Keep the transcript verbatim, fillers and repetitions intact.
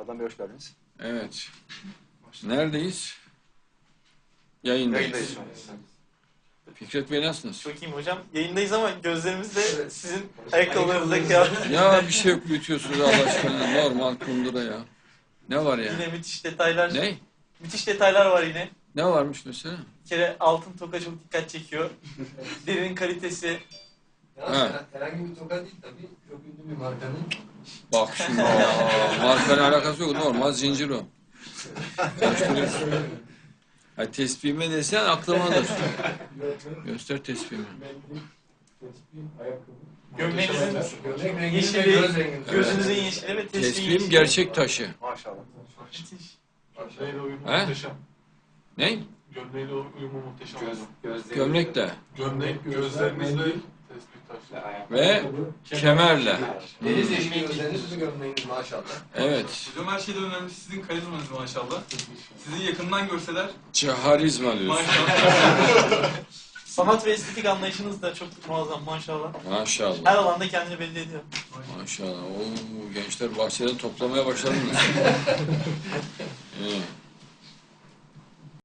Adnan Bey hoş geldiniz. Evet. Neredeyiz? Yayındayız. Yayındayız şu an. Fikret Bey nasılsınız? Çok iyiyim hocam. Yayındayız ama gözlerimiz de sizin ayakkabılarınızda kıyafet. Ya bir şey yok, büyütüyorsunuz Allah aşkına. Normal kundura ya. Ne var ya? Yine müthiş detaylar. Ne? Müthiş detaylar var yine. Ne varmış mesela? Bir kere altın toka çok dikkat çekiyor. Derinin kalitesi. Ha. Herhangi bir toka değil tabii. Çok ünlü bir markanın. Bak şimdi aa, markayla alakası yok. Normal zincir o. Karıştırıyorsun. Ha, tespihime desen aklıma alır. Göster tespihimi. Gömleğinizin Gömlek rengi yeşili, ve göz rengi. gözünüzün yeşili ve tespihin Tespihim yeşili. gerçek taşı. Maşallah. Müthiş. Gömleğiyle uyumu He? muhteşem. Ne? Gömleğiyle uyumu muhteşem. Göz, gözleri. Gömlek de. Gömlek, gözlerinizle tespih taşı. Ve kemerle. Deniz yeşili gözleriniz, sizin gömleğiniz maşallah. Evet. Hocam her şeyden önemlisi sizin karizmanız maşallah. Sizi yakından görseler Harizma diyorsun. maşallah. Sanat ve estetik anlayışınız da çok muazzam maşallah. Maşallah. Her alanda kendini belli ediyor. Maşallah. Oo, gençler bahçeden toplamaya başladınız. İyi.